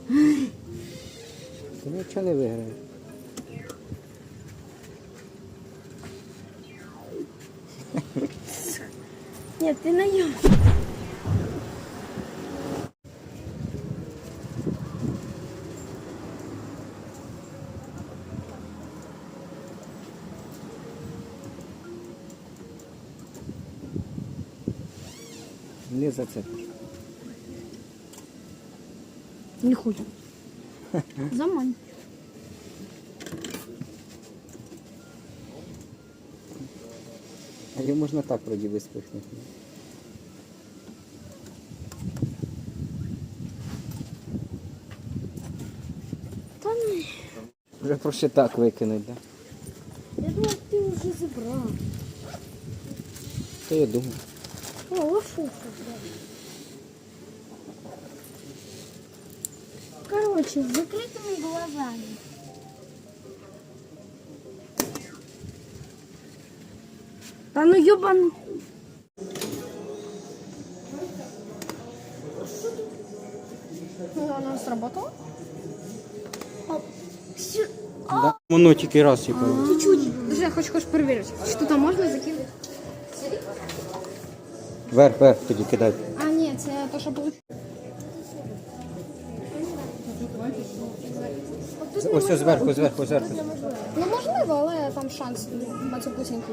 Ти нічого не виграєш. Ні, ти наїв. Не зацепиш. Не хочу. Замань. А її можна так вроді виспихнути. Та ні. Вже проще так викинуть, так? Я думав, ти вже забрав. То я думаю. О, лошуха, короче, с закрытыми глазами. Да ну ёбан. Она сработала? Да. Воно тільки раз сіпало. Чуть-чуть. Даже я хочу проверить. Что там можно закинуть? Вверх тоді кидай. А, нет, это то, что получилось. Ось зверху. Ну, можливо, але там шанс на цю платінку.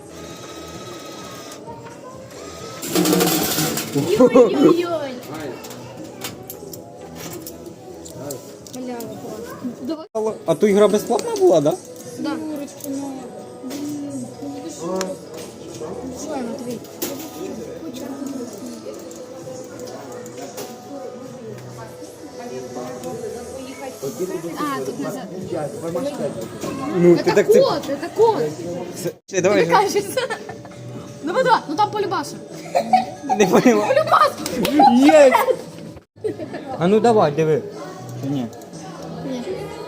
Ой-ой-ой. Бля, давай. А то ігра безплатна була, так? Да. Что, Матвей? А, тут назад. Ну, Это кот, это кот. Давай. Мне кажется. Ну, давай, ну там полюбаса. Не поняла. Полюбас! Є! А ну давай, диви. Чи ні? Ні.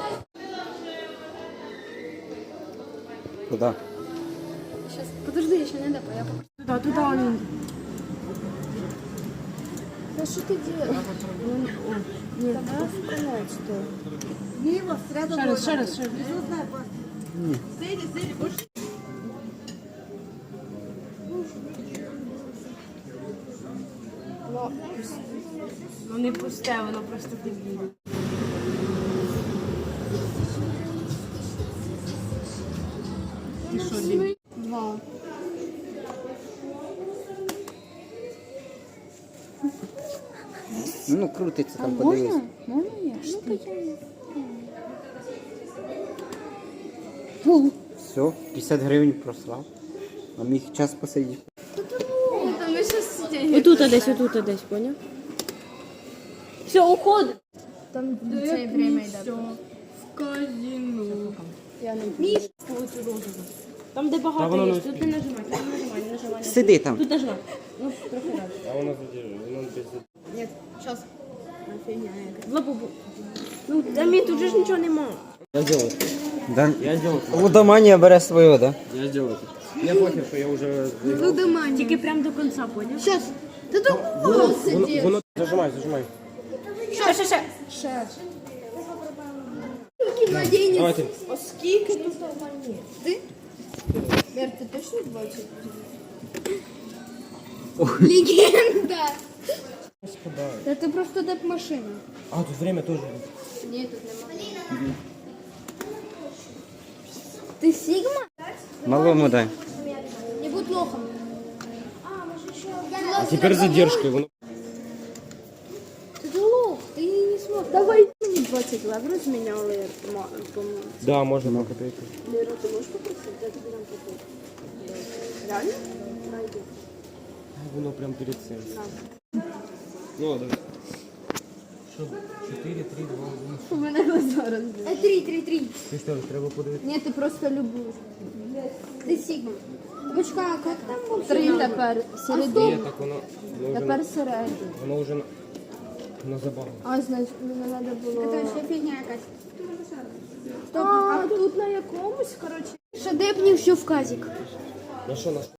Куди? Сейчас, подожди, еще не допа, я покажу. Туда он. Да что ты делаешь? Нет, давай вколоть, что? Мимо, сразу Ще раз. Сели, больше. Ну не пусте, воно просто дебільне. Ти що, дебіль? Два. Ну, крутиться там, подивись. Можна я? Все, 50 гривень прослав. А міг час посидіти. Там ми щас сидять. Отут десь, поняв? Все, уходи. Там це время йде. В казино. Я не вмію. Там, де багато є, тут не нажимай, не нажимай. Сиди там. Тут нажимай. Ну, трохи раз. А у нас воно без... Нет, сейчас. Фигня. Лапу. Ну, да мені тут же ж нічого нема. Я сделал. Да? Я сделал. Лудоманія бере свою, да? Я сделал это. Я похер, что я уже... Лудоманія. Тільки прям до кінця, поняв? Сейчас. Ти тут Воно... Зажимай. Ще. Младенець. Давайте. А скільки тут монет? Ти? Вер, ти точно бачив? Легенда. Та ти просто деп машина. А, тут время тоже. Ні, тут нема. Ти Сігма? Малому дай. Не будь лохом. А теперь задержкой. Воно... Ти лох, ти не смог. Давай мені 20 лев розміняли, по-моєму. Да, можно на копейку. Лера, ти можеш попросити? Я тобі дам копійку. Реально? Найди. Воно прям перед цим. Ну, ладно. Що? 4, 3, 2, 1. У мене глаза розбили. 3. Ти що, треба подивитися? Ні, ти просто любиш. Ти Сігма. Бачка, а як там був? 3 тепер. Середина. Ні, так воно вже, Тепер середина. воно вже на забаву. А, значить, мені треба було... Це ще фігня якась. Стоп, а тут на якомусь, коротше. Шедепнів, що в казік. На що, на